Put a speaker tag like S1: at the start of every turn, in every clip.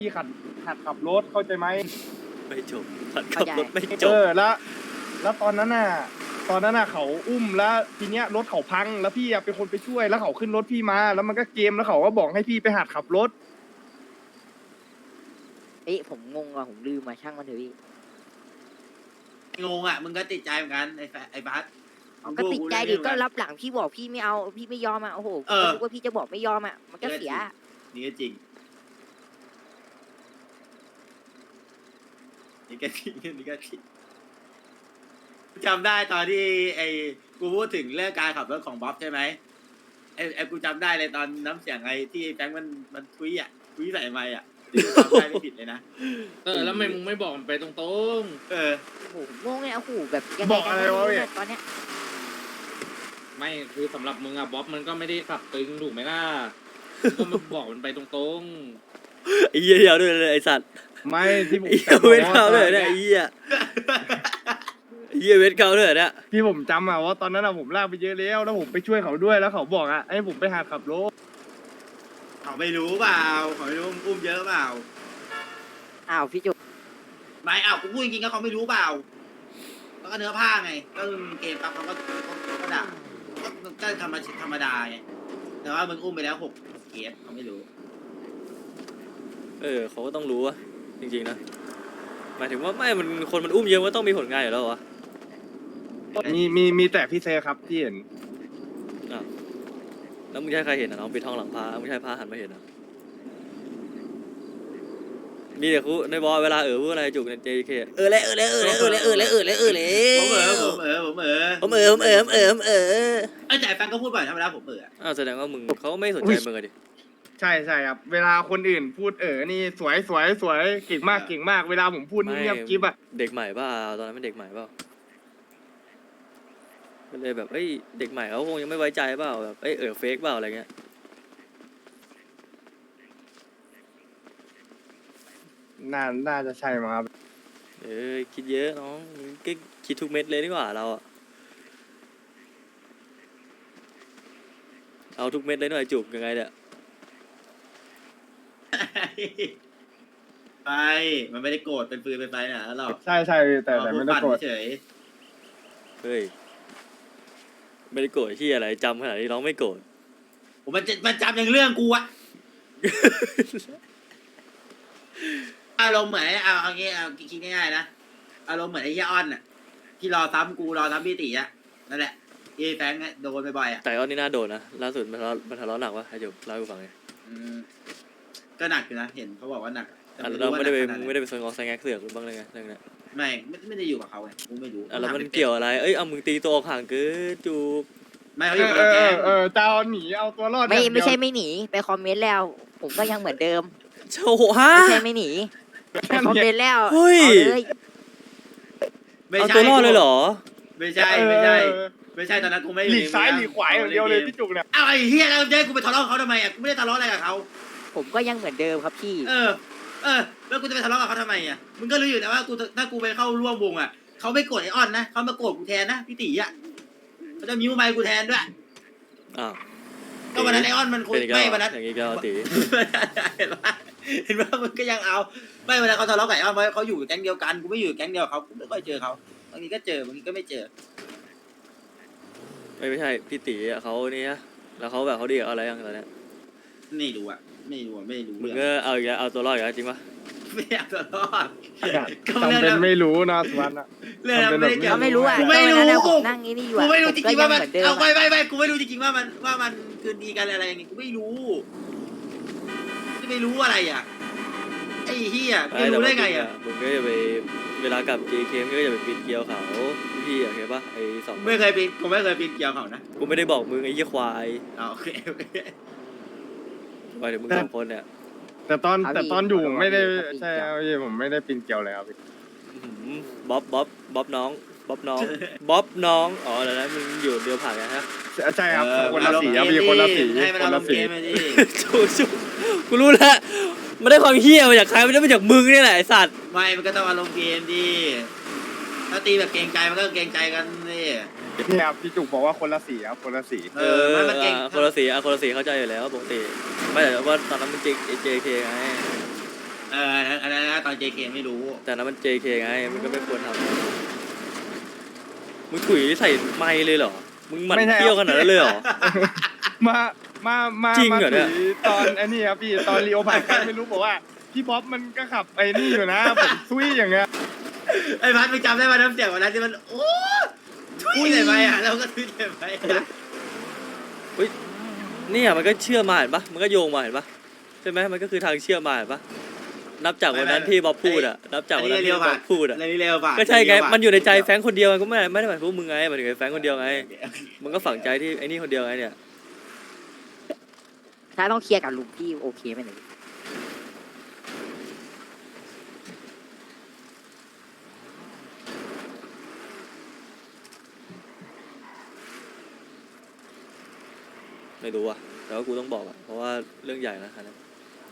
S1: พี่หัดขับรถเข้าใจไหม
S2: ไม่จบขับรถไม่จบ
S1: แล้วตอนนั้นน่ะเขาอุ้มแล้วทีเนี้ยรถเขาพังแล้วพี่เป็นคนไปช่วยแล้วเขาขึ้นรถพี่มาแล้วมันก็เกมแล้วเขาก็บอกให้พี่ไปหัดขับรถ
S3: ผมงงอ่ะผมลืมมาช่างมันเถอะพี่
S4: งงอ่ะมึงก็ติดใจเหมือนกันไอ้บัส
S3: ก็ติดใจดิก็รับหลังพี่บอกพี่ไม่เอาพี่ไม่ยอมอ่ะโอ้โหก็รู้ว่าพี่จะบอกไม่ยอมอ่ะมันก็เสีย
S4: นี่ก็จริงนี่ก็จริงนี่ก็จริงจำได้ตอนที่กูพูดถึงเรื่องการขับรถของบ๊อบใช่ไหมไอ้กูจำได้เลยตอนน้ำเสียงไอ้ที่แฟงมันทุยใส่ไมค์อ่ะจำได้ไม่ผิดเลยนะ
S5: แล้วทำไมมึงไม่บอกมันไปตรง
S3: โอ้โหงงเลยโอ้โหแบบยังไง
S1: บอกอะไรวะเนี่ย
S3: ตอนเนี้ย
S5: ไม่คือสำหรับมึงอะบ๊อบมันก็ไม่ได้ขับตึงถูกไหมล่ะก็มันบอกมันไปตรง
S2: ไอ้เหี้ยเดียวด้วยเลยไอ้สัตว์
S1: ไม่ที่ผม
S2: เวทเขาเลยเนี่ยไอ้เหี้ยเวทเขาเลยเนี่ย
S1: ที่ผมจำอะว่าตอนนั้นอะผมลากไปเยอะแล้วผมไปช่วยเขาด้วยแล้วเขาบอกอะให้ผมไปหัดขับรถ
S4: เขาไม่รู้เปล่าเขาไม่รู้อุ้มเยอะเปล่า
S3: พี่จุ๊บ
S4: ไม่กูพูดจริงๆก็เขาไม่รู้เปล่าแล้วก็เนื้อผ้าไงก็เกมปั๊บเขาก็ด่าก็ธรรมดาไงแต่ว่ามึงอุ้มไปแล้ว6 เคสเขาไม่รู้
S2: เขาก็ต้องรู้อะจริงๆนะหมายถึงว่าไม่มันคนมันอุ้มเยอะว่าต้องมีผลงานอยู่แล้ววะ
S1: มีแต่พี่เซครับที่เห็น
S2: แล้วมึงใช่ใครเห็นน้องปิดทองหลังพามึงใช่พาหันมาเห็นอ่ะมีแต่คูในบอลเวลาพูดอะไรจุกใน JK เลยผม
S4: แต่แฟนก็พูดบ่อยธรรมดาผม
S2: แสดงว่ามึงเขาไม่สนใจมึงดิ
S1: ใช่ครับเวลาคนอื่นพูดนี่สวยเก่งมากเวลาผมพูดนี่เงียบกิ๊บอะ
S2: เด็กใหม่เปล่าตอนนั้นเป็นเด็กใหม่เปล่าก็เลยแบบเด็กใหม่เขาคงยังไม่ไว้ใจเปล่าแบบเฟกเปล่าอะไรเงี้ย
S1: น่าจะใช่มั้งครับ
S2: คิดเยอะน้องก็คิดทุกเม็ดเลยดีกว่าเราอะเอาทุกเม็ดเลยหน่อยจุกยังไงเนี่ย
S4: ไปมันไม่ได้โกรธเป็นปืนเป็นไฟนะหรอก
S1: ใช่แต่ไม่ได้โกรธ
S4: เฉย
S2: ไม่ได้โกรธที่อะไรจำขนาดนี้น้องไม่โกรธ
S4: มันจำอย่างเรื่องกูอะอารมณ์เหมือนเอางี้คิดง่ายๆนะอารมณ์เหมือนไอ้ย่าอ้อนน่ะที่รอซ้ำกูรอซ้ำพี่ตีอะนั่นแหละที่แฟงโดนบ่อยๆอะ
S2: แต่อ้อนนี่น่าโดนนะล่าสุดมันทะเลาะหนักวะให้จบเล่าให้กูฟังไง
S4: ก็หนักอยู่นะเห็นเขาบอกว่าหนัก
S2: เราไม่ได้ไปสนองแซงแงกเสือกหรือบ้างเลยไงเรื่องนี้
S4: ไม่ได้อยู่กับเขาไงกูไม่รู้
S2: แล้วมันเกี่ยวอะไรเอามึงตีตัวห่างเกินจูบ
S4: ไม่เขาอยู่กับแก
S1: เจ้าหนีเอาตัวรอด
S3: ไม่ใช่ไม่หนีไปคอมเมนต์แล้วผมก็ยังเหมือนเดิม
S2: โชว์ฮะ
S3: ไม่ใช่ไม่หนีไปคอมเมนต์แล้ว
S2: เฮ้ยเอาตัวรอดเลยเหรอ
S4: ไม่ใช่ตอนนั้นกูไม่
S1: หลีกซ้ายหลีกขวาอย่างเดียวเลยพี่จุกเนี่ย
S4: ไอ้เฮียแล้วกูไปทะเลาะเขาทำไมกูไม่ได้ทะเลาะอะไรกับเขา
S3: ผมก็ยังเหมือนเดิมครับพี่
S4: แล้วกูจะไปทะเลาะกับเขาทำไมมึงก็รู้อยู่แล้วว่าถ้ากูไปเข้าร่วมวงเขาไม่โกรธไอออนนะเขามาโกรธกูแทนนะพี่ตีเขาจะมิ้วไมค์กูแทนด้วยก็วันนั้นไอออนมันคุยไม่วันนั้น
S2: อย่างนี้ก็ตี
S4: เห็นว่ามันก็ยังเอาไม่เวลาเขาทะเลาะกับไอออนเพราะเขาอยู่แก๊งเดียวกันกูไม่อยู่แก๊งเดียวเขากูไม่ค่อยเจอเขาบางทีก็เจอบางทีก็ไม่เจอ
S2: ไม่ใช่พี่ตีเขาเนี่ยแล้วเขาแบบเขาดีอะไรอย่างตอนนี้
S4: ไม่รู้
S2: มึงก็เอาตัวรอดอย่างจริงปะ
S4: ไม่เอาตัวรอด
S1: ทำเป็นไม่รู้นะสวัสดิ์
S4: เรื่องนั้น
S3: ไม่รู้
S4: กูไม่รู้
S3: ผมนั่งนี่อยู่
S4: กูไม่รู้จริงๆว่ามันเอาไปกูไม่รู้จริงๆว่ามันคืนดีกันอะไรอย่างงี้กูไม่รู้อะไรไอ้เหี้ยไม่รู้ได้ไง
S2: มึงก็จะไปเวลากลับ JK ก็จะไปปีนเกลียวเขาพี่เห็นปะ2
S4: ไม่เคยปีนกูไม่เคยปีนเกลียวเขานะ
S2: กูไม่ได้บอกมึงไอ้ยี่ควาย
S4: โอเค
S2: ไปเดี๋ยวมึง2 คนเนี่ย
S1: แต่ตอนอยู่ไม่ได้ใช่ผมไม่ได้ปีนเกลียวเลยครับ
S2: บ๊อบน้องอ๋อแล้วนะมึงอยู่เดียวผ่านกันฮะ
S1: ใช่ครับคนละสีครับมีคนละสี
S2: ชูกูรู้แล้วมันได้ความเฮี้ยมาจากใครมันได้มาจากมึงนี่แหละไอสัตว์
S4: ไม่มันก็ต้องอารมณ์เกมดิถ้าตีแบบเกรงใจมันก็เกรงใจกันนี่
S1: ครับพี่จุกบอกว่าคนละสีครับคนละสี
S2: คนละสีเข้าใจอยู่แล้วปกติไม่แต่ว่าตอนนั้นมันJK ไง
S4: อน JK ไม่รู้
S2: แต่นั้นมัน JK ไงมันก็ไม่ควรทำมึงถุยใส่ไมค์เลยเหรอมึงหมันเที่ยวขนาดนั้นเลยเหรอ
S1: มามา
S2: จริงเหรอเนี่ย
S1: ถืตอนไอ้นี่ครับพี่ตอนลีโอผ่านไปไม่รู้บอกว่าพี่บ๊อบมันก็ขับไอ้นี่อยู่นะผมซุยอย่างเงี้ย
S4: ไอ้พัดมึงจำได้ไหมน้ำเสียงวันนั้นที่มันโอ้ทุยเลยไหมอ่ะเราก็ทุยเลยไหม
S2: เนี่ยมันก็เชื่อมาเห็นปะมันก็โยงมาเห็นปะใช่ไหมมันก็คือทางเชื่อมาเห็นปะนับจากวันนั้นที่บ๊อบพูดอะนับจากวันนั้นที่บ๊อบพูดอะ
S4: อะไรนี่เร็วป่ะ
S2: ก็ใช่ไงมันอยู่ในใจแฟรงค์คนเดียวไงก็ไม่ได้หมายถึงพวกมึงไงหมายถึงไอ้แฟรงค์คนเดียวไงมันก็ฝังใจที่ไอ้นี่คนเดียวไงเนี่ย
S3: ถ้าต้องเคลียร์กับลุงพี่โอเคไหมเนี่ย
S2: ไม่รู้อะแต่ว่ากูต้องบอกอะเพราะว่าเรื่องใหญ่นะคันนี้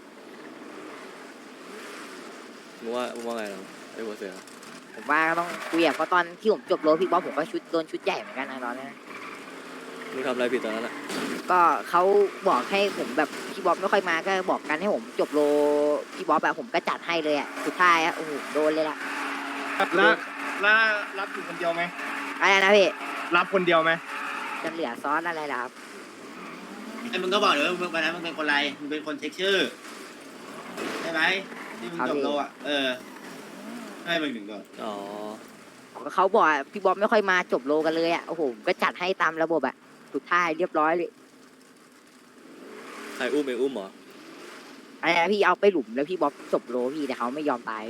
S2: มึงว่าไงเราไอ้หัวเสือ
S3: ผมว่าก็ต้องคุยอะเพราะตอนที่ผมจบโรพี่บ๊อบผมก็โดนชุดใหญ่เหมือนกันนะตอนนั้น
S2: มึงทำอะไรผิดตอนนั้นอะ
S3: ก็เขาบอกให้ผมแบบพี่บ๊อบไม่ค่อยมาก็บอกกันให้ผมจบโรพี่บ๊อบแบบผมก็จัดให้เลยอะสุดท้ายอะโอ้โหโดนเลยล่ะ
S1: แล้วรับอยู่คนเดียวไหม
S3: อะไรนะพี่
S1: รับคนเดียวไหม
S3: จะเหลือซอสอะไรล่ะครับ
S4: ไอ้มึงก็บอกเดี๋ยววันนั้นมึงเป็นคนไรมึงเป็นคนเช็คชื่อใช่ไหมที่มึงจบโลอ่ะให้มึงถึงโดน
S2: อ๋อ
S3: เขาบอกอะพี่บ๊อบไม่ค่อยมาจบโลกันเลยอะโอ้โหผมก็จัดให้ตามระบบอะสุดท้ายเรียบร้อยเลย
S2: ใครอุ้มเองอุ้มเหรอ
S3: อะไรนะพี่เอาไปหลุมแล้วพี่บ๊อบจบโลพี่แต่เขาไม่ยอมตาย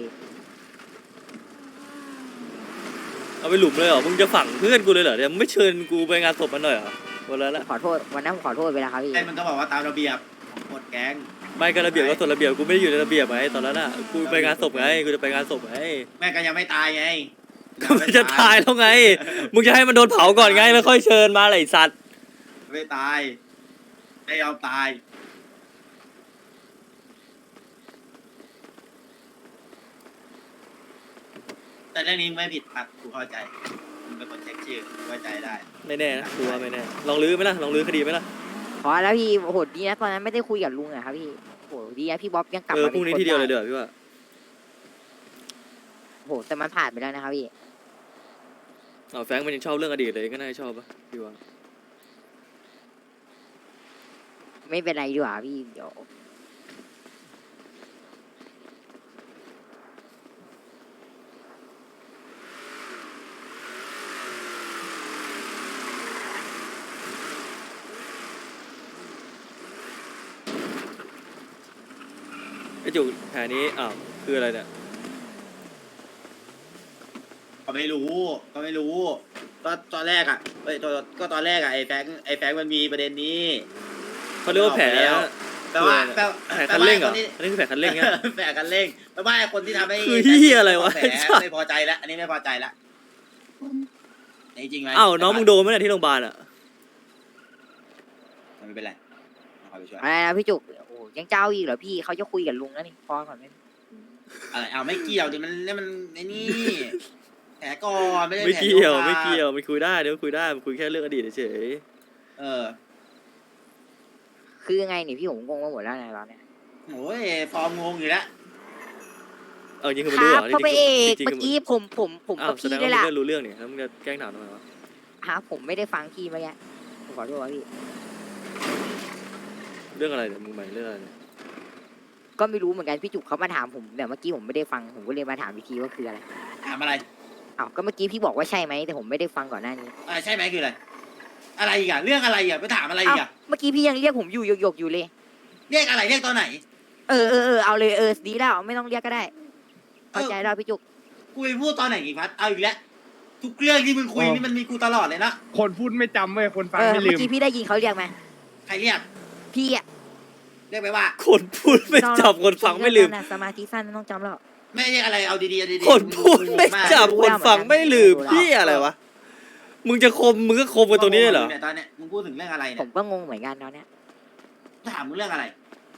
S2: เอาไปหลุมเลยเหรอมึงจะฝังเพื่อนกูเลยเหรอเนี่ยมึงไม่เชิญกูไปงานศพมันหน่อยเหรอวันนั้นละ
S3: ขอโทษวันนั้นผมขอโทษไปแล้วครับพี่
S4: ไอ้มึงก็บอกว่าตามระเบียบของกฎแก๊ง
S2: ไม่ก็ระเบียบก็ส่วนระเบียบกูไม่ได้อยู่ในระเบียบไงตอนนั้นอะกูไปงานศพไงกูจะไปงานศพไง
S4: แม่ก็ยังไม่ตายไง
S2: ก็มันจะตายแล้วไง มึงจะให้มันโดนเผาก่อนไงแล้วค่อยเชิญมาอะไรสัตว์
S4: ไม่ตายไม่ยอมตายแต่เรื่องนี้ไม่ผิดครับกูเข้าใจมึงเป็นคนเช็คชื่อไว้ใจได้
S2: ไม่แน่นะกูว่าไม่แน่ลองลื้อไหมล่ะลองลื้อคดีไหมล่ะ
S3: ขอแล้วพี่โอ้โหดีนะตอนนั้นไม่ได้คุยกับลุงอะครับพี่โอ้โหดีนะพี่บ๊อบยังกลับมา
S2: พรุ่งนี้ทีเดียวเลยเด้อพี่ว่า
S3: โอ้โหแต่มันผ่านไปแล้วนะครับพี่
S2: เอาแฟรงค์มันยังชอบเรื่องอดีตเลยก็น่าจะชอบปะพี่ว่า
S3: ไม่เป็นไรดีกว่าพี่เดี๋ยว
S2: ไอ้จุกแผลนี้อ้าวคืออะไรเนี่ย
S4: ก็ไม่รู้ก็ตอนแรกอ่ะก็ตอนแรกอ่ะไอ้แฟงมันมีประเด็นนี้
S2: เขาเรียกว่าแผล
S4: แปลว่า
S2: แผลคันเร่งเหรออันนี้คือแผลคันเร่งเนี่ย
S4: แผลคันเร่งแปลว่าไอ้คนที่ทำให้
S2: คือเหี้ยอะไรวะ
S4: แผลไม่พอใจแล้วอันนี้ไม่พอใจแล้วจริงไหม
S2: อ้าวน้องมึงโดนไหมเนี่ยที่โรงพยาบาลอ่ะ
S4: ไม่เป็นไรเอาไปช่วย
S3: อะไรนะพี่จุกโอ้โหยังเจ้าอีกเหรอพี่เขาจะคุยกับลุงแล้วนี่พอก่อนไหม
S4: อะไรเอาไม่เกี่ยวดิมันไอ้นี่แผลก่อนไม่ได้
S2: ไม่
S4: แผล
S2: เกี่ยว
S4: โดน
S2: ไม่เกี่ยวมันคุยได้เดี๋ยวคุยได้มันคุยแค่เรื่องอดีตเฉย
S4: เออ
S3: คือยังไงนี่พี่ผมงงไปหมดแล้วนะตอนเนี้ย
S4: โอ้ยฟอร์มงงอยู่แล้ว
S2: เอาจริงคือ
S3: ค
S2: มันรู้เหร
S3: รับ
S2: อ
S3: พ่อพระเอก
S2: จริง
S3: เมื่อกี้ผม
S2: อ้า
S3: กั
S2: ว
S3: บ
S2: แส
S3: พี่
S2: ดง
S3: ด้ว
S2: ว่าย มึง
S3: ล่ะ
S2: ก็รู้เรื่องนี่แล้วมึงจะแกล้งถามทำไมวะ
S3: ฮะผมไม่ได้ฟังพี่เมื่อกี้ผมขอโทษครับพี่
S2: เรื่องอะไรเนี่ยมึงใหม่เรื่องอะไรเนี่ย
S3: ก็ไม่รู้เหมือนกันพี่จุกเขามาถามผมแต่เมื่อกี้ผมไม่ได้ฟังผมก็เลยมาถามอีกทีว่าคืออะไร
S4: ถามอะไร
S3: อ้าวก็เมื่อกี้พี่บอกว่าใช่ไหมแต่ผมไม่ได้ฟังก่อนหน้านี้
S4: ใช่ไหมคืออะไรอะไรอีกอะเรื่องอะไรอีกอะไปถามอะไรอี
S3: อ้าว
S4: กอะ
S3: เมื่อกี้พี่ยังเรียกผมอยู่หยกๆอยู่เลย
S4: เรียกอะไรเรียกตอนไหน
S3: เอาเลยดีแล้วไม่ต้องเรียกก็ได้เข้าใจแล้วพี่จุก
S4: กูไปพูดตอนไหนอีกพัดเอาอีกแล้วทุกเรื่องที่มึงคุยนี่มันมีกูตลอดเลยนะ
S1: คนพูดไม่จำเว้ยคนฟัง
S3: เออ
S1: ไม่ลื
S3: เมื่อ
S1: ม
S3: กี้พี่ได้ยินเขาเรียกไหม
S4: ใครเรียก
S3: พี่อะ
S4: เรียกไปว่า
S2: คนพูดไม่จับคนฟังไม่ลืม
S3: สมาธิสั้นไม่ต้องจำแล้ว
S4: ไม่เรียกอะไรเอาดีๆเอาดี
S2: คนพูดไม่จับคนฟังไม่ลืมพี่อะไรวะมึงจะคมมึงก็คมกันตรงนี้เลยเหรอ
S4: ตอนเนี้ยมึงพูดถึงเรื่องอะไร
S3: ผ
S4: เนี่ย
S3: มก็งงเหมือนกันตอนเนี้ย
S4: ถามมึงเรื่องอะไร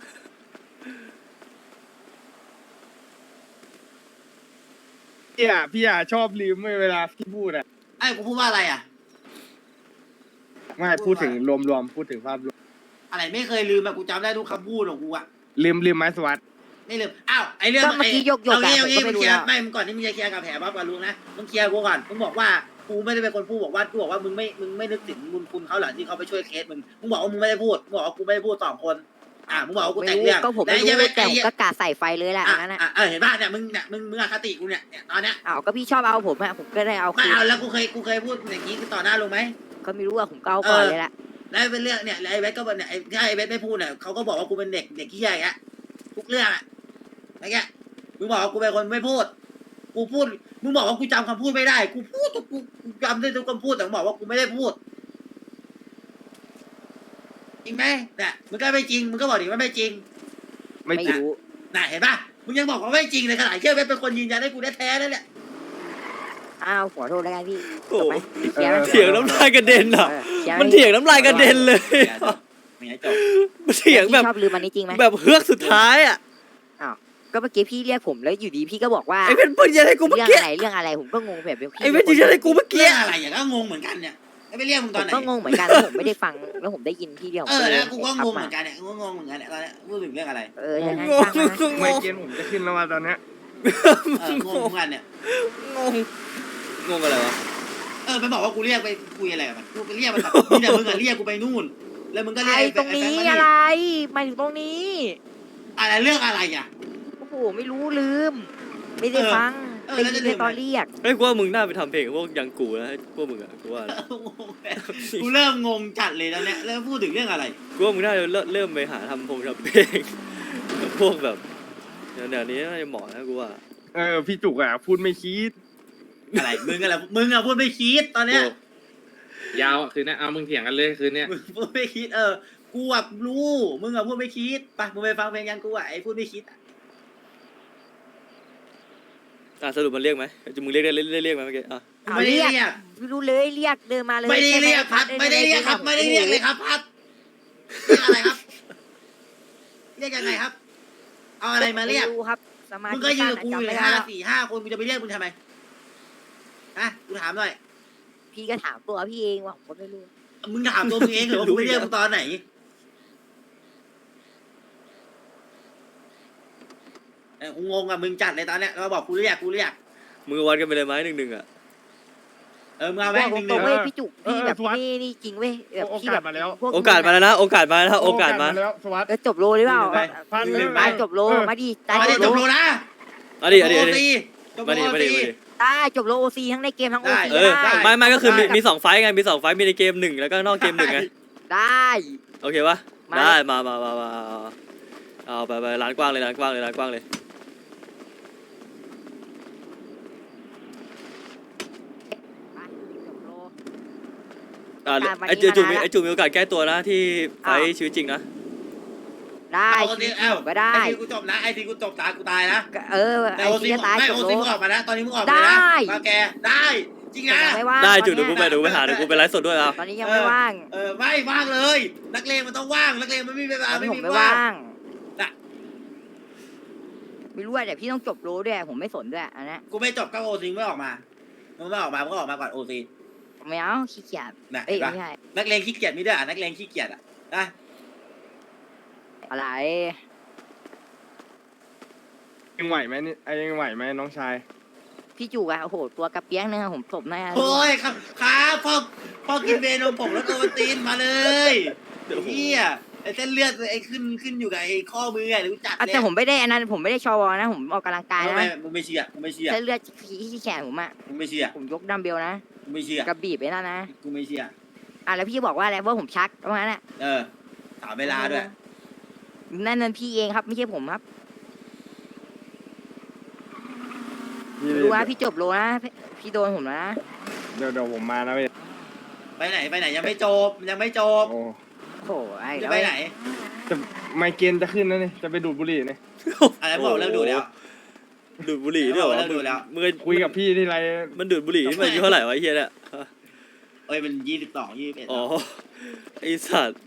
S1: พี่อ่ะชอบลืมเวลาพี่พูดอ่ะ
S4: ไอ้กูพูดว่าอะไรอ่ะ
S1: ไม่พูดถึงรวมๆพูดถึงภาพรวม
S4: อะไรไม่เคยลืมอะกูจำได้ทุกคำพูดของกูอะ
S1: ลืมไม้สวัสด
S4: ไม่ลืมอ้าวไอ้เรื่อง
S3: ก็เมื่อกี้ยกๆ
S4: เอางี้
S3: อะ
S4: เอางี้
S3: ผมก็ไม่
S4: มึง
S3: รู้
S4: เคลียร์
S3: แล้ว
S4: ไม่มึงก่อนที่มึงจะเคลียร์กับแผลบ๊อบกับลุงนะมึงเคลียร์กูก่อนมึงบอกว่ากูไม่ได้เป็นคนพูดบอกว่ากูบอกว่ามึงไม่นึกถึงบุญคุณเขาหลังที่เขาไปช่วยเคสมึงบอกว่ามึงไม่ได้พูดมึงบอกว่ากูไม่ได้พูด2 คนมึงบอกว่ากู
S3: ไม่
S4: แต่ง
S3: รู้
S4: เรื่อง
S3: ก็ผมไม่รู้
S4: แล้ว
S3: แต่
S4: ไอ้
S3: ผม
S4: เหี้ย
S3: ก็กาใส่ไฟเลยแหละอันนั้นอ่ะ
S4: เห็นป่ะเนี่ยมึงอคติกูเนี่ยตอนเนี้ย
S3: อ้าวก็พี่ชอบเอาผมอะผมก็ได้เอา
S4: ไม่
S3: คืน
S4: เอาแล้วกูเคยพูดอย่างนี้ต่อหน้าลุงไหม
S3: ก็ไม่รู้อะผมก็เอาก่อนเลยแหละ
S4: แล้วเป็นเรื่องเนี่ยไอ้เวทก็เนี่ยถ้าไอ้เวทไม่พูดเนี่ยเขาก็บอกว่ากูเป็นเด็กขี้ใหญ่อะทุกเรื่องอะอะไรเงี้ยมึงบอกว่ากูเป็นคนไม่พูดกูพูดมึงบอกว่ากูจำคำพูดไม่ได้กูพูดกูจำได้ทุกคำพูดแต่มึงบอกว่ากูไม่ได้พูดจริงไหมเนี่ยมึงก็ไม่จริงมึงก็บอกดิว่าไม่จริง
S1: ไม่
S3: ไม่
S1: จริง
S3: รู้
S4: น่ะเห็นป่ะมึงยังบอกว่าไม่จริงเลยขนาดเชื่อเวทเป็นคนยืนยันให้กูแท้ๆนั่นแหละ
S3: อ้าวขอโทษแล้วกันพี่
S2: โอ้
S3: จบไหมเคลียร์ไหม
S2: เถียงน้ำลายกระเด็นอ่ะ
S3: คลียร์ไห
S2: มันเถียงน้ำลายกระเด็นเลย
S4: ไม่งั้นจบ
S2: มันเถียงแบบ
S3: พี่ชอบลืมอันนี้จริงไหม
S2: แบบเฮือกสุดท้ายอ่ะ
S3: ก็เมื่อกี้พี่เรียกผมแล้วอยู่ดีพี่ก็บอกว่า
S2: ไอ้เพชรพูดยังไงกูเมื่อ
S3: เรื่อง
S2: กี้
S3: อะไรผมก็งงแบบพี่
S2: ไอ้เพชรยืนยันให้กูเมื่อกี้
S4: เรื่องอะไรอย่างก็งงเหมือนกันเนี่ยแล้วไปเรียกมึง
S3: ผ
S4: ตอน
S3: ม
S4: ไหน
S3: ก็งงเหมือนกันแล้วผมไม่ได้ฟังแล้วผมได้ยินพี่เดียว
S4: แล้วกูก็งงเห
S3: มา
S4: มือนกันเนี่ยกูก็งงเหมือนกันเนี่ยตอนเนี้ยพูดถึงเรื่องอะไร
S3: อย่างนั้น
S2: งง
S3: ช่างมัน
S1: ไม่เกณฑ์ผมจะขึ้นแล้วว่าตอนเนี้ย
S4: งงเหมือนกันเนี่ย
S2: งงงงอะไรวะ
S4: มันบอกว่ากูเรียกไปคุยอะไรกับมันกูไปเรียกมันแบบนี่แต่มึงอะเรียกกูไปนู่น แล้วมึงก็เรียก
S3: ไอ้ตรงนี้อะไรหมายถึงตรงนี้
S4: อะไรเรื่องอะไรอ่ะ
S3: โอ้โหไม่รู้ลืม ไม่ได้ฟัง
S4: เออ
S3: ได้
S4: แล้ว
S3: ยิ
S4: จะ
S3: น
S4: ลื
S3: ใน
S4: ม
S3: ตอนเรียก
S2: เฮ้ยกูว่ามึงน่าไปทำเพลงกับพวกยังกูนะพวกมึงอะกูว่านะ
S4: กูเริ่มงงจัดเลยแล้วเนี่ยแล้วพูดถึงเรื่องอะไร
S2: กูว่ามึงน่าจะเริ่มไปหาทำเพลงกับพวกแบบเดี๋ยวนี้น่าจะเหมาะนะกูว่า
S1: พี่จุกอ่ะพูดไม่คิด
S4: อะไรมึงอะพูดไม่คิดตอนเนี้ย
S5: ยาวคืนนี้เอามึงเถียงกันเลยคืนนี้
S4: มึงพูดไม่คิดกูอะรู้มึงอะพูดไม่คิดไปมึงไปฟังเพลงยังกูอะไอ้พูดไม่คิด
S2: สรุปมันเรียกไหมมึงเรียกได้เรียกไหมเมื่อกี้อ่ะ
S4: ไม่ได้เรียก
S3: ไม่รู้เลยเรียกเดินมาเลย
S4: ไม่ได้เรียกครับ ไม่ได้เรียกครับ ไม่ได้เรียกเลยครับพัดเรียกอะไรครับ เรียกยังไงครับ เอาอะไรมาเรียก
S3: ไม่รู้ครับสมาธิ
S4: มึงก็ยืนกับกู
S3: สั้
S4: อยู่
S3: จำไม่
S4: ใน
S3: ได้แล้ว
S4: 5 คนกูจะไปเรียกมึงทำไมฮะกูถามหน่อย
S3: พี่ก็ถามตัวพี่เองว่าผมก็ไม่รู้
S4: มึงถามตัวมึงเองเหรอว่ากูไปเรียกมึงตอนไหนกูงงอ่ะมึงจัดเลยตอนเนี้ยเราบอกกูเรียก
S2: มึงวัดกันไปเลยไหม1-1อ่ะ
S4: มึงเอาแม่ง
S3: บ
S4: ห
S3: อก
S4: นึ่ง
S3: ตรง
S4: ๆ
S3: เว้ยพี่จุกพี่แบบนี่จริงเว้ยแบบพี่แบบพว
S2: โอกาสมาแล้วนะโอกาสมาแล้วโอกาสมา
S1: แล้วสวัสดิ์
S3: จบโลหรือเปล่า
S1: พัน
S3: ตายจบโลมาดิตาย
S4: มาดิ
S3: จ
S4: จ
S3: บบ โล
S4: โลนะ
S2: เอาดิเอาดิ
S4: โอ
S2: เอาดิ
S4: ซีจบโล
S2: มาดิ
S4: โอ
S2: มาดิ
S4: ซี
S2: มาดิ
S3: ตายจบโลโอซีทั้งในเกมทั้งโอซี
S2: เออ
S3: ได้
S2: ไม่ก็คือมี2ไฟต์ไงมี2ไฟต์มีในเกม1แล้วก็นอกเกม1ไง
S3: ได้
S2: โอเคปะ
S3: มา
S2: ได้มาเอาไปร้านกว้างเลยร้านกว้างเลย
S3: จบโล
S2: ไอจูมีโอกาสแก้ตัวนะที่ไฟท์ชีวิตจริงนะ
S3: ได้
S4: โอซีเอ้า
S3: ก็ได้
S4: ไอทีกูจบนะไอทีกูจบตายกูตายนะ
S3: เออ
S4: แต่
S3: ไอ้
S4: โอซี
S3: ที่จะตาย
S4: ไม่
S3: จ
S4: โอบ
S3: โล
S4: ซีมึงออกมานะตอนนี้มึงออกมาเลยนะ
S3: ได้
S4: มาแกได้จริงนะ
S3: ยังไม่ว่าง
S2: ได้จู
S3: ต
S2: เดี๋
S3: อ
S2: ยวน กูไปหาเดี๋ยวกูไปไลฟ์สดด้วยเอา
S3: ตอนนี้ยังไม่ว่าง
S4: ไม่ว่างเลย นักเลงมันต้องว่างนักเลงมันไม่มีเว
S3: ต
S4: ลา
S3: อน
S4: ไม่
S3: นี้ผม
S4: มี
S3: ไม่
S4: ว่าง
S3: ว่าง
S4: น่ะ
S3: ไม่รู้ว่าแต่พี่ต้องจบโลด้วยผมไม่สนด้วยอันนี้
S4: กูไม่จบก็โอซีไม่ออกมามึงไม่ออกมามึงก็ออกมาก่อนโอซี
S3: ไม่เอาขี้เกียจ
S4: นะ
S3: เอ้ย
S4: เห็นปะ
S3: ไม่ใช่
S4: นักเลงขี้เกียจมีด้วยนักเลงขี้เกียจนะ
S3: อะไร
S1: ยังไหวไหมนี่ยังไหวไหมน้องชาย
S3: พี่จูอะโอ้โหตัวกระเปียกเนื้อผมตบหน้า
S4: โอ้ยครับพ่อกินเวนมผงแล้วโอวัลตินมาเลยเฮียไอ้เส้นเลือดไอ้ขึ้นอยู่กับไอ้ข้อมือไงรู้จัก
S3: แต่ผมไม่ได้อันนั้นผมไม่ได้ชวนะผมออกกำลังกายนะ
S4: มึงไม่เชื่อมึงไม่เชื่อ
S3: เส้นเลือดที่แขนผมอะ
S4: มึงไม่เชื่อ
S3: ผมยกดัมเบลนะ
S4: มึงไม่เชื่อก
S3: ระบีบไปนั่นนะ
S4: กูไม่เชื่อ
S3: แล้วพี่บอกว่าอะไรว่าผมชักว่างั้นอะ
S4: ถามเวลาด้วย
S3: นั่นพี่เองครับไม่ใช่ผมครับ
S1: นี่
S3: รู้ว่าพี่จบโลนะพี่โดนผมแล้วนะ
S1: เดี๋ยวผมมานะเว้ย
S4: ไปไหนยังไม่จบ
S1: โอ้
S3: โอ้โหไอ้
S4: จะไปไหน
S1: จะไมเกรนจะขึ้นแล้วนี่จะไปดูดบุหรี่นี่
S4: อะไรบอกเลิกดูแล้ว
S2: ดูดบุหรี่ด้วยเหรอ
S4: เลิกดูแล้ว
S2: มึง
S1: คุยกับพี่ที่ไร
S2: มันดูดบุหรี่นี่มันอายุเท่าไหร่วะไอ้เฮียเนี่ย
S4: มัน22 21
S2: อ๋อไอสัตว์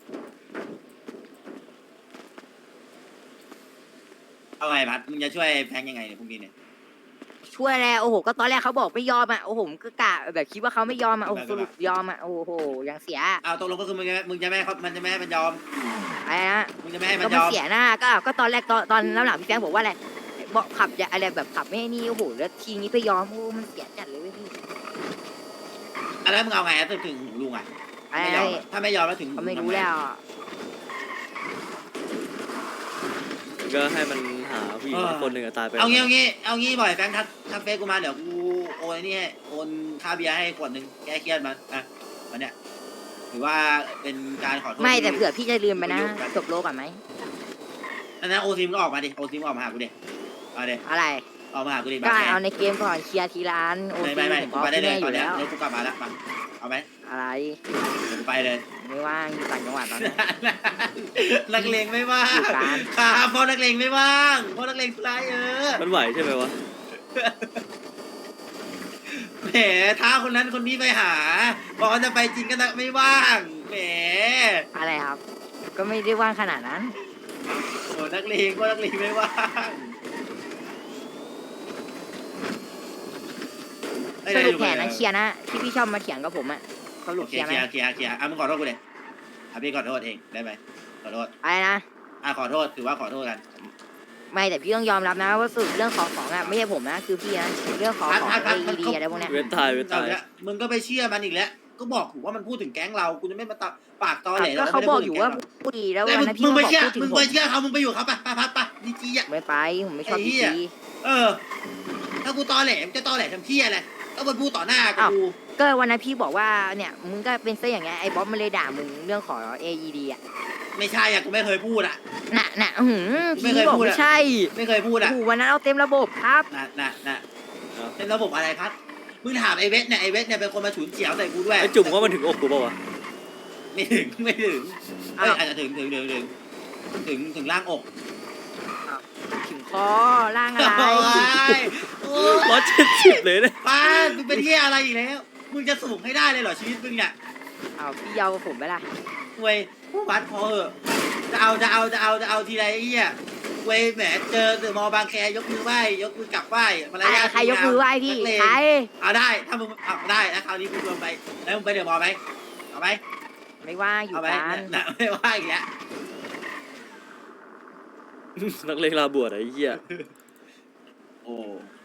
S4: เอาไงพัดมึงจะช่วยแพงยังไงเนี่ยพรุ่งนี้เนี่ย
S3: ช่วยแล้วโอ้โหก็ตอนแรกเขาบอกไม่ยอมอะโอ้โหผมก็กะแบบคิดว่าเขาไม่ยอมอะโอ้โหสรุปยอมอะโอ้โหยังเสีย
S4: เอาตกลงก็คือมึงจะไม่มันจะไม่ให้มันยอม
S3: ไออะไรนะ
S4: มึงจะไม่ให้มั
S3: ก็
S4: นย
S3: มัน
S4: อม
S3: เสียหน้าก็ตอนแรกตอนหลังพี่แฟงบอกว่าอะไรบอกขับอย่าอะไรแบบขับไม่ให้นี่โอ้โหแล้วทีนี้ไปยอมโอ้มันเสียจัดเลยเว้ยพี่
S4: อะไรมึงเอาไงถึงหูลุงอ่ะ
S3: อะไร
S4: ไม่ยอมอะถ้าไม่ยอมแล้วถึงหู
S3: เขาไม่
S4: ทำ
S3: รู้
S4: ง
S3: แล้ว
S2: ก็ให้มันหาผู้หญิงสักคนหนึ่งอะตายไป
S4: เอางี้บ่อยแฟงทักเฟซกูมาเดี๋ยวกูโอนไอ้นี่ให้โอนค่าเบียร์ให้ขวดหนึ่งแก้เครียดมันอ่ะวันเนี้ยถือว่าเป็นการขอโทษ
S3: ไม่แต่
S4: ที่
S3: เผื่อพี่จะลืมไปนะ
S4: ที่ประโยคกัน
S3: จบโลก่อนไหม
S4: อันนั้นโอซิมก็ออกมาดิโอซิมออกมาหากูดิเอาดิ
S3: อะไร
S4: ออกมาหากูดิ
S3: ก็
S4: มา
S3: เอาในเกมก่อนเคลียร์ทีละอันโอ
S4: ไม่
S3: ซี
S4: ไม่
S3: ผม
S4: กู
S3: เอา
S4: ไปได้
S3: ที่
S4: เล
S3: แน่
S4: ย
S3: อ
S4: ตอน
S3: ยู่
S4: เนี้ย
S3: แล้ว
S4: รถกูกลับมาแล้วมาเอาไหม
S3: อะไร
S4: เดี๋ยวกูไปเลย
S3: ไม่ว่างอยู่ต่างจังหวัดตอนนี้
S4: นักเลงไม่ว่าง
S3: อยู่การ
S4: ครับเพราะนักเลงไม่ว่างเพราะนักเลงทุไรอ
S2: มันไหวใช่ไหมวะ
S4: แหมท้าคนนั้นคนนี้ไปหาบอกว่าจะไปจริงก็ไม่ว่างแหม
S3: อะไรครับ ก็ไม่ได้ว่างขนาดนั้น
S4: โอ้นักเลงก็นักเลงไม่ว่างเอ้ย
S3: ส
S4: ได้
S3: รุ
S4: อ
S3: ป
S4: ยู่
S3: แผน
S4: เล
S3: นั้
S4: ย
S3: นเคลียร์นะที่พี่ชอบมาเถียงกับผมอะสรุ
S4: โอ
S3: ป
S4: เค
S3: เคลียร์ไหม
S4: เคลียร์อ่ะมึงขอโทษกูเลยอ่ะพี่ขอโทษเองได้ไหมขอโทษ
S3: อะไรนะ
S4: อ่ะขอโทษถือว่าขอโทษกัน
S3: ไม่แต่พี่ต้องยอมรับนะว่าสรุปเรื่องของอะไม่ใช่ผมนะคือพี่นะเรื่องของ
S4: พัด
S3: ดีอะไรพวกเนี้ย
S2: เว้นตายเว้น
S4: เอา
S2: ตาย
S4: ละมึงก็ไปเชื่อมันอีกแล้วก็บอกถูกว่ามันพูดถึงแก๊งเรากูจะไม่มาปากตอแหล
S3: ก็เขาบอกอยู่ว่าพูดดีแล้ววันนั้นพี่
S4: มึง
S3: ก็
S4: ไป
S3: บอก
S4: เชื่อ
S3: พูดถึง
S4: มึง
S3: ผ
S4: ไป
S3: ม
S4: เชื่อเขามึงไปอยู่เขาไปดีจีอ่ะ
S3: ไม่ไปผมไม่ชอบ
S4: ไอ้เหี้
S3: ดี
S4: ย
S3: จี
S4: เออ ถ้ากูตอแหลมจะตอแหลทำเที่ยอะไรก็มาพูดต่อหน้ากับ
S3: อ้าว
S4: กู
S3: ก็วันนั้นพี่บอกว่าเนี่ยมึงก็เป็นซะอย่างเงี้ยไอ้บ๊อบมันเลยด่ามึงเรื่องของ AED อ่ะ
S4: ไม่ใช่อ่ะกูไม่เคยพูดอ่ะ
S3: น่ะพี่
S4: ไม่เคย
S3: บอก
S4: พูด
S3: ไม่
S4: อะ
S3: ใช่
S4: ไม่เคยพูดอ่ะ
S3: โอ้โหวันนั้นเอาเต็มระบบครับ
S4: น่ะเป็นระบบอะไรพัดมึงถามไอ้เวทเนี่ยไอ้เวทเนี่ยเป็นคนมาฉุนเฉียวใส่กูด้วย
S2: ไอ้จุ่มว่ามันถึงอกกูเปล่าวะ
S4: ไม่ถึงเอ้ยอาจจะถึงล่างอก
S3: ถึงคอร่างอะไร
S4: โอ้ย
S2: 170เลยเนี่ย
S4: ป้ามึงเป็นเที่ยอะไรอีกแล้ว มึงจะสูงให้ได้เลยเหรอชีวิตมึงเนี่ย
S3: เอาพี่เยากับผมไปละ
S4: เว้ยวัดพอเหอะจะเอาทีไรไอ้เหี้ยเว้ยแหมเจอเดอะมอลล์บางแคยกมือไหว้ยกมือกลับไหว้มารยาท
S3: ใครยกมือไหว้พี่
S4: นักเลง
S3: ใคร
S4: เอาได้ถ้ามึงเอาได้แล้วคราวนี้มึงรวมไปแล้วมึงไปเดอะมอลล์ไหมเอาไหม
S3: ไม่ว่างอยู่
S4: เอาไหม
S3: กัน
S4: น่ะไม่ว่าอีกแล้ว
S2: นักเลงลาบวชอะไอ้เหี้ย
S4: โอ้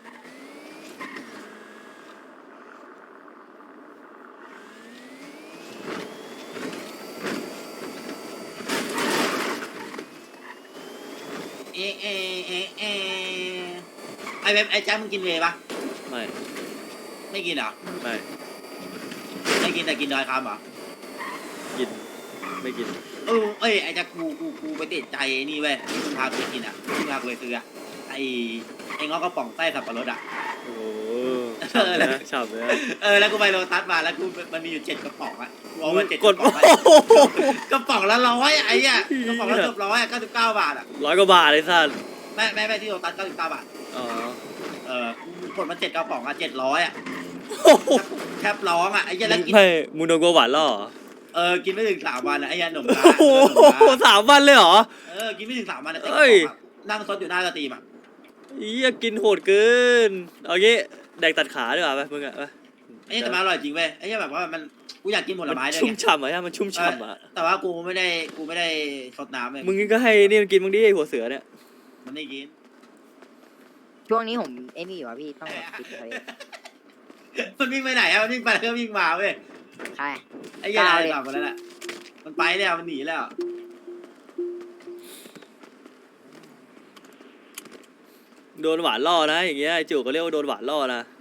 S4: ไอเว็บไอแจ๊คมึงกินเวย์ปะ
S2: ไม่
S4: ไม่กินเหรอ
S2: ไม่
S4: ไม่กินแต่กินดอยคำเหรอ
S2: กินไม่กิน
S4: เอ้ยไอ้แจ๊คกูไปติดใจไอ้นี่เว้ยที่มึงพากูไปกินอ่ะที่มึงพากูไปซื้ออ่ะไอ้งอกกระป๋องไส้สับปะรดอ่ะ
S2: โอ้โหฉ่ำเลยนะฉ่ำเลยนะ
S4: แล้วกูไปโลตัสมาแล้วกูมันมีอยู่7กระป๋องอ่ะกูเอามา7
S2: ก
S4: ก
S2: ด
S4: ระป๋องอะกระป๋องละ100ไอ้เนี่ยกระป๋องละเกือบ100 99 บาทอ่ะ
S2: 100 กว่าบาทเลยสัตว์
S4: ไม่ที่โลตัส99 บาท
S2: อ๋อ
S4: กูกดมา7กระป๋องอ่ะ700อ่ะ
S2: โอ้โห
S4: แทบร้องอ่ะไอ้เหี้ยแล้วกิน
S2: ไม่มึงโดนกูหวานล่อเหรอ
S4: กินไม่ถึง3 วันอ่ะไอ้เหี้ยหนุ่มตา
S2: โอ้โห3 วันเลยเหรอ
S4: กินไม่ถึง3 วันอ่ะ
S2: เอ้ย
S4: นั่งซดอยู่หน้าสตรีมอ่ะ
S2: เหี้ยกินโหดเกิน เอางี้แดกตัดขาดีกว่าไปมึงอะไป
S4: ไอ้เหี้ยแต่มันอร่อยจริงเว้ยไอ้เหี้ยแบบว่ามันกูอยากกินผล
S2: มัน
S4: ไม้ด้วย
S2: ชุ่ม
S4: ไง
S2: ฉ่ำอะมันชุ่มฉ่ำอะ
S4: แต่ว่ากูไม่ได้ซดน้ำเลย
S2: มึงก็ให้นี่มันกินมึงดิไอ้หัวเสือเนี่ย
S4: มันไม่กิน
S3: ช่วงนี้ผมไอ้นี่อยู่อะพี่ต้องแบบติดเลย
S4: มันวิ่งไปไหนอะมันวิ่งไปแล้วก็วิ่งมาเว้ย
S3: ใคร
S4: ไอ้เหี้ย
S3: เอา
S4: อะไร
S3: เลย
S4: ต่างกันแล้วแหละมันไปแล้วมันหนีแล้ว
S2: โดนหวานล่อนะอย่างเงี้ยไอ้จู่ก็เรียกว่าโดนหวานล่อนะ